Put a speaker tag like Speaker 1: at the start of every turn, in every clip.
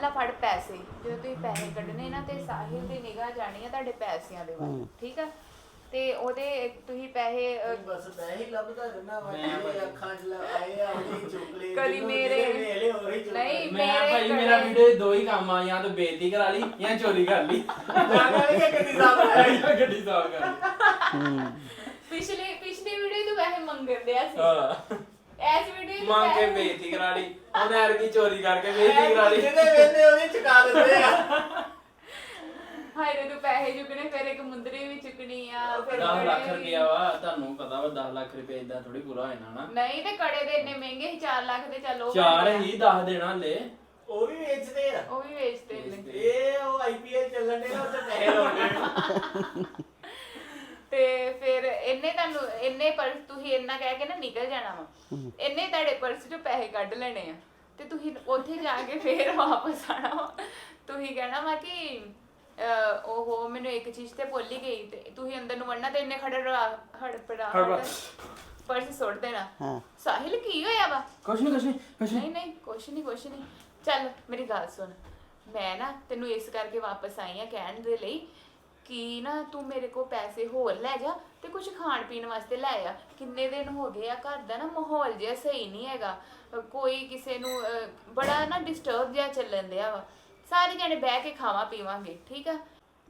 Speaker 1: ਲਾ ਫੜ ਪੈਸੇ ਜਦੋਂ ਤੁਸੀਂ ਪੈਸੇ ਕੱਢਣੇ ਨਾ ਤੇ ਸਾਹਿਲ ਦੀ ਨਿਗਾਹ ਜਾਣੀ ਆ ਤੁਹਾਡੇ ਪੈਸਿਆਂ ਦੇ ਵੱਲ ਠੀਕ ਆ ਤੇ ਉਹਦੇ ਤੁਸੀਂ ਪੈਸੇ
Speaker 2: ਬਸ ਪੈਸੇ ਲੱਭਦਾ ਰਹਿਣਾ ਵਾ ਮੇਰੇ ਅੱਖਾਂ 'ਚ ਆਏ ਆ ਉਹੀ ਚੁੱਕ ਲਏ
Speaker 1: ਕਦੀ ਮੇਰੇ
Speaker 2: ਨਹੀਂ
Speaker 1: ਮੈਂ
Speaker 3: ਭਾਈ ਮੇਰਾ ਵੀਡੀਓ ਦੋ ਹੀ ਕੰਮ ਆ ਜਾਂ ਤਾਂ ਬੇਇੱਜ਼ਤੀ ਕਰਾ ਲਈ ਜਾਂ ਚੋਰੀ ਕਰ ਲਈ
Speaker 2: ਗੱਡੀ ਸਾਫ
Speaker 3: ਗੱਡੀ ਸਾਫ ਕਰ ਲਈ
Speaker 1: ਪਿਛਲੀ ਵੀਡੀਓ ਤੋਂ ਪੈਸੇ ਮੰਗਦੇ ਆ ਸੀ
Speaker 3: ਹਾਂ
Speaker 1: ਐਸ ਵੀਡੀਓ
Speaker 3: ਮੰਗ ਕੇ ਬੇਇੱਜ਼ਤੀ ਕਰਾ ਲਈ ਉਹਨੇ ਐਰ ਕੀ ਚੋਰੀ ਕਰਕੇ ਬੇਇੱਜ਼ਤੀ ਕਰਾ ਲਈ
Speaker 2: ਜਿਹਦੇ ਵੇਂਦੇ ਉਹਦੀ ਚੁਕਾ ਦਿੰਦੇ ਆ
Speaker 1: ਹਾਏ ਰੇ ਤੂੰ ਪੈਸੇ ਚੁੱਕਣੇ ਫਿਰ ਇੱਕ ਮੁੰਦਰੀ ਵੀ ਚੁੱਕਣੀ ਆ ਫਿਰ
Speaker 3: 10 ਲੱਖ ਰੁਪਇਆ ਵਾ ਤੁਹਾਨੂੰ ਪਤਾ ਵਾ 10 ਲੱਖ ਰੁਪਏ ਇਦਾਂ ਥੋੜੀ ਪੂਰਾ ਹੋ ਜਾਣਾ ਨਾ
Speaker 1: ਨਹੀਂ ਤੇ ਕੜੇ ਦੇ ਇੰਨੇ ਮਹਿੰਗੇ ਸੀ 4 ਲੱਖ ਦੇ ਚੱਲੋ
Speaker 3: 4 ਹੀ 10 ਦੇਣਾ ਹਲੇ
Speaker 2: ਉਹ ਵੀ ਵੇਚਦੇ ਆ
Speaker 1: ਉਹ ਵੀ ਵੇਚਦੇ ਨੇ
Speaker 2: ਇਹ ਉਹ ਆਈਪੀਐਲ ਚੱਲਣ ਦੇ ਨਾ ਉੱਥੇ ਪੈਸੇ ਲਾਉਂਦੇ
Speaker 1: ਤੇ ਫਿਰ ਇੰਨੇ ਪਰਸ ਤੁਸੀਂ ਇੰਨਾ ਕਹਿ ਕੇ ਨਾ ਨਿਕਲ ਜਾਣਾ ਵਾ ਇੰਨੇ ਤੁਹਾਡੇ ਪਰਸ ਚੋਂ ਪੈਸੇ ਕੱਢ ਲੈਣੇ ਆ ਤੇ ਤੁਸੀਂ ਉੱਥੇ ਜਾ ਕੇ ਫੇਰ ਵਾਪਸ ਆਣਾ ਵਾ ਤੁਸੀਂ ਕਹਿਣਾ ਵਾ ਕਿ ਉਹ ਮੈਨੂੰ ਇੱਕ ਚੀਜ਼ ਤੇ ਭੁੱਲ ਹੀ ਗਈ ਤੇ ਤੁਸੀਂ ਅੰਦਰ ਨੂੰ ਵੜਨਾ ਤੇ ਇੰਨੇ ਹੜਪੜਾ ਪਰਸ ਸੁੱਟ ਦੇਣਾ ਸਾਹਿਲ ਕੀ ਹੋਇਆ ਵਾ
Speaker 3: ਕੁਛ ਨਹੀਂ
Speaker 1: ਨਹੀਂ ਕੁਛ ਨਹੀਂ ਚੱਲ ਮੇਰੀ ਗੱਲ ਸੁਣ ਮੈਂ ਨਾ ਤੈਨੂੰ ਇਸ ਕਰਕੇ ਵਾਪਸ ਆਈ ਆ ਕਹਿਣ ਦੇ ਲਈ ਕਿ ਨਾ ਤੂੰ ਮੇਰੇ ਕੋਲ ਪੈਸੇ ਹੋਰ ਲੈ ਜਾ ਤੇ ਕੁਝ ਖਾਣ ਪੀਣ ਵਾਸਤੇ ਲੈ ਆ ਕਿੰਨੇ ਦਿਨ ਹੋ ਗਏ ਆ ਘਰ ਦਾ ਨਾ ਮਾਹੌਲ ਜਿਹਾ ਸਹੀ ਨਹੀਂ ਹੈਗਾ ਕੋਈ ਕਿਸੇ ਨੂੰ ਬੜਾ ਨਾ ਡਿਸਟਰਬ ਜਿਹਾ ਚੱਲਣ ਦਿਆ ਵਾ ਸਾਰੇ ਜਣੇ ਬਹਿ ਕੇ ਖਾਵਾਂ ਪੀਵਾਂਗੇ ਠੀਕ ਆ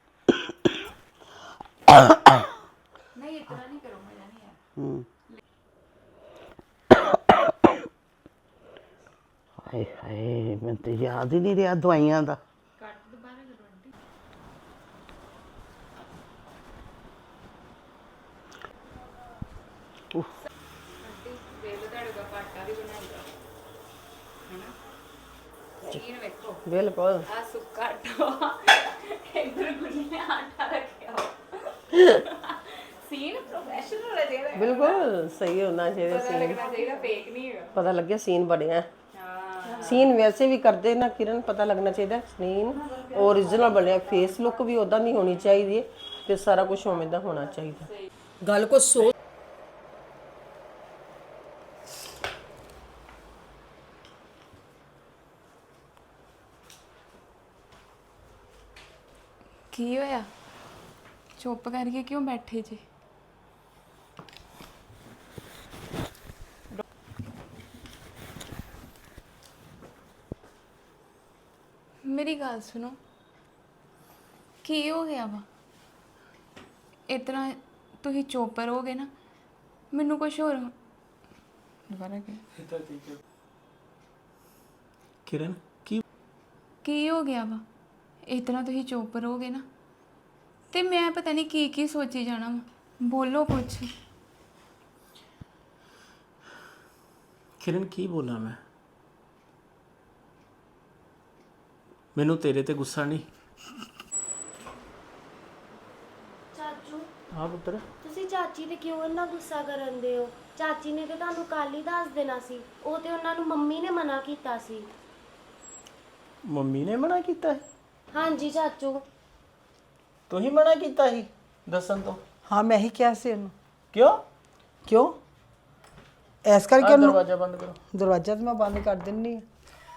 Speaker 1: ਨਹੀਂ ਇਤਨਾ ਨਹੀਂ ਕਰੋ ਮਜ਼ਾ ਨਹੀਂ ਆ
Speaker 4: ਹਾਏ ਹਾਏ ਮੈਨੂੰ ਤੇ ਯਾਦ ਹੀ ਨਹੀਂ ਰਿਹਾ ਦਵਾਈਆਂ ਦਾ
Speaker 1: ਕੱਟ ਦੁਬਾਰਾ ਕਰੋ ਆਂਟੀ ਆਂਟੀ ਵੇਲੇ ਤੁਹਾਡੇ ਦਾ ਪਾਟਾ ਵੀ ਬਣਾਈਦਾ ਹੈਨਾ ਚੀਨ ਵੇਖੋ
Speaker 4: ਬਿਲਕੁਲ
Speaker 1: ਆ ਸੁੱਕਾ ਆਟਾ ਇੱਧਰ ਗੁੰਨੇ ਆਟਾ ਰੱਖਿਆ ਸੀਨ ਪ੍ਰੋਫੈਸ਼ਨਲ ਹੈ ਜਿਹੜਾ
Speaker 5: ਬਿਲਕੁਲ ਸਹੀ ਹੋਣਾ ਚਾਹੀਦਾ
Speaker 1: ਪਤਾ ਲੱਗਣਾ ਚਾਹੀਦਾ ਫੇਕ ਨਹੀਂ ਹੈਗਾ
Speaker 5: ਪਤਾ ਲੱਗਿਆ ਸੀਨ ਬਣਿਆ
Speaker 1: ਹਾਂ
Speaker 5: ਸੀਨ ਵੈਸੇ ਵੀ ਕਰਦੇ ਨਾ ਕਿਰਨ ਪਤਾ ਲੱਗਣਾ ਚਾਹੀਦਾ ਸੀਨ ਓਰੀਜਨਲ ਬਣਿਆ ਫੇਸ ਲੁੱਕ ਵੀ ਉਦਾਂ ਦੀ ਹੋਣੀ ਚਾਹੀਦੀ ਹੈ ਤੇ ਸਾਰਾ ਕੁਝ ਉਵੇਂ ਦਾ ਹੋਣਾ ਚਾਹੀਦਾ ਗੱਲ ਕੋ ਸੋਚ
Speaker 1: ਕੀ ਹੋਇਆ ਚੁੱਪ ਕਰਕੇ ਕਿਉਂ ਬੈਠੇ ਜੀ ਮੇਰੀ ਗੱਲ ਸੁਣੋ ਕੀ ਹੋ ਗਿਆ ਵਾ ਇਤਨਾ ਤੁਸੀਂ ਚੁੱਪ ਰਹੋਗੇ ਨਾ ਮੈਨੂੰ ਕੁਝ ਹੋਰ ਦੁਬਾਰਾ
Speaker 3: ਕਿਰਨ
Speaker 1: ਕੀ ਹੋ ਗਿਆ ਵਾ ਇਤਨਾ ਤੁਸੀਂ ਚੁੱਪ ਰਹੋਗੇ ਨਾ ਤੇ ਮੈਂ ਪਤਾ ਨਹੀਂ ਕੀ ਸੋਚੀ ਜਾਣਾ ਵਾ ਬੋਲੋ ਕੁਛ
Speaker 3: ਕਿਰਨ ਕੀ ਬੋਲਾਂ ਮੈਂ ਮੈਨੂੰ ਤੇਰੇ ਤੇ ਗੁੱਸਾ ਨਹੀਂ
Speaker 6: ਚਾਚੂ
Speaker 3: ਹਾਂ ਪੁੱਤਰ
Speaker 6: ਤੁਸੀਂ ਚਾਚੀ ਤੇ ਕਿਉਂ ਇੰਨਾ ਗੁੱਸਾ ਕਰਨ ਦੇ ਹੋ ਚਾਚੀ ਨੇ ਤੇ ਤੁਹਾਨੂੰ ਕੱਲ ਹੀ ਦੱਸ ਦੇਣਾ ਸੀ ਉਹ ਤੇ ਉਹਨਾਂ ਨੂੰ ਮੰਮੀ ਨੇ ਮਨਾ ਕੀਤਾ ਸੀ
Speaker 2: ਮੰਮੀ ਨੇ ਮਨਾ ਕੀਤਾ
Speaker 6: ਹਾਂਜੀ ਚਾਚੂ
Speaker 2: ਤੂੰ ਹੀ ਮਨਾ ਕੀਤਾ ਸੀ ਦੱਸਣ ਤੋਂ
Speaker 5: ਹਾਂ ਮੈਂ ਹੀ ਕਿਹਾ ਸੀ ਉਹਨੂੰ
Speaker 2: ਕਿਉਂ
Speaker 5: ਐਸ ਕਰਕੇ ਉਹਨੂੰ
Speaker 2: ਦਰਵਾਜ਼ਾ ਬੰਦ ਕਰੋ
Speaker 5: ਦਰਵਾਜ਼ਾ ਤਾਂ ਮੈਂ ਬੰਦ ਕਰ ਦਿੰਨੀ ਆ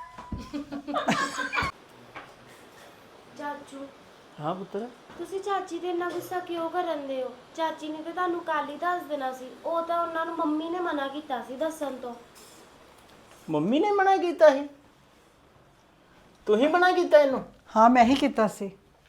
Speaker 6: ਚਾਚੂ
Speaker 2: ਹਾਂ ਪੁੱਤਰ
Speaker 6: ਤੁਸੀਂ ਚਾਚੀ ਤੇ ਇੰਨਾ ਗੁੱਸਾ ਕਿਉਂ ਕਰਨ ਦੇ ਹੋ ਚਾਚੀ ਨੇ ਤੇ ਤੁਹਾਨੂੰ ਕੱਲ ਹੀ ਦੱਸ ਦੇਣਾ ਸੀ ਉਹ ਤਾਂ ਉਹਨਾਂ ਨੂੰ ਮੰਮੀ ਨੇ ਮਨਾ ਕੀਤਾ ਸੀ ਦੱਸਣ ਤੋਂ
Speaker 2: ਮੰਮੀ ਨੇ ਮਨਾ ਕੀਤਾ ਸੀ ਤੂੰ ਹੀ ਮਨਾ ਕੀਤਾ ਇਹਨੂੰ
Speaker 5: ਹਾਂ ਮੈਂ ਹੀ ਕੀਤਾ ਸੀ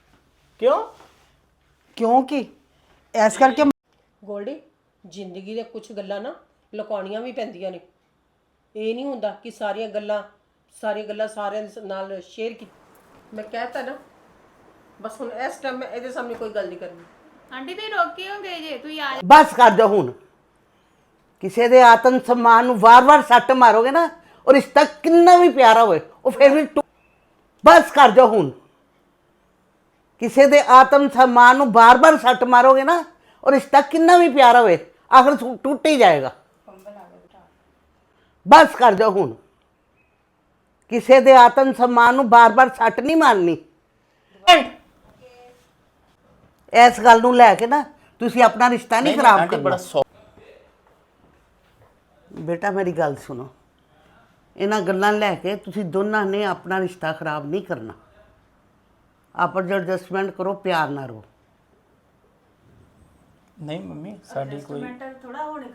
Speaker 5: ਕਿਉਂਕਿ ਐਸ ਕਰਕੇ
Speaker 7: ਗੋਲਡੀ ਜ਼ਿੰਦਗੀ ਦੇ ਕੁਝ ਗੱਲਾਂ ਨਾ ਲੁਕਾਉਣੀਆਂ ਵੀ ਪੈਂਦੀਆਂ ਨੇ ਇਹ ਨਹੀਂ ਹੁੰਦਾ ਕਿ ਸਾਰੀਆਂ ਗੱਲਾਂ ਸਾਰਿਆਂ ਨਾਲ ਸ਼ੇਅਰ ਕੀ ਮੈਂ ਕਹਿਤਾ ਨਾ ਬਸ ਹੁਣ ਇਸ ਟਾਈਮ ਮੈਂ ਇਹਦੇ ਸਾਹਮਣੇ ਕੋਈ ਗੱਲ ਨਹੀਂ ਕਰਨੀ
Speaker 1: ਆਂਟੀ ਤੇ ਰੋਕੇ ਹੋਗੇ ਜੇ ਤੁਸੀਂ ਆ
Speaker 4: ਬਸ ਕਰ ਜਾ ਹੁਣ ਕਿਸੇ ਦੇ ਆਤਮ ਸਨਮਾਨ ਨੂੰ ਵਾਰ-ਵਾਰ ਸੱਟ ਮਾਰੋਗੇ ਨਾ ਔਰ ਰਿਸ਼ਤਾ ਕਿੰਨਾ ਵੀ ਪਿਆਰਾ ਹੋਵੇ ਉਹ ਫਿਰ ਵੀ ਬਸ ਕਰ ਜਾ ਹੁਣ ਕਿਸੇ ਦੇ ਆਤਮ ਸਨਮਾਨ ਨੂੰ ਬਾਰ-ਬਾਰ ਸੱਟ ਮਾਰੋਗੇ ਨਾ ਔਰ ਰਿਸ਼ਤਾ ਕਿੰਨਾ ਵੀ ਪਿਆਰਾ ਹੋਵੇ ਆਖਰ ਟੁੱਟ ਹੀ ਜਾਏਗਾ ਬਸ ਕਰ ਜਾ ਹੁਣ ਕਿਸੇ ਦੇ ਆਤਮ ਸਨਮਾਨ ਨੂੰ ਬਾਰ-ਬਾਰ ਸੱਟ ਨਹੀਂ ਮਾਰਨੀ ਇਸ ਗੱਲ ਨੂੰ ਲੈ ਕੇ ਨਾ ਤੁਸੀਂ ਆਪਣਾ ਰਿਸ਼ਤਾ ਨਹੀਂ ਖਰਾਬ ਕਰਨਾ ਬੇਟਾ ਮੇਰੀ ਗੱਲ ਸੁਣੋ ਇਹਨਾਂ ਗੱਲਾਂ ਲੈ ਕੇ ਤੁਸੀਂ ਦੋਨਾਂ ਨੇ ਆਪਣਾ ਰਿਸ਼ਤਾ ਖਰਾਬ ਨਹੀਂ ਕਰਨਾ। ਆਪਸ ਵਿੱਚ ਐਡਜਸਟਮੈਂਟ ਕਰੋ, ਪਿਆਰ ਨਾਲ ਰਹੋ।
Speaker 2: ਨਹੀਂ ਮੰਮੀ ਸਾਡੀ ਕੋਈ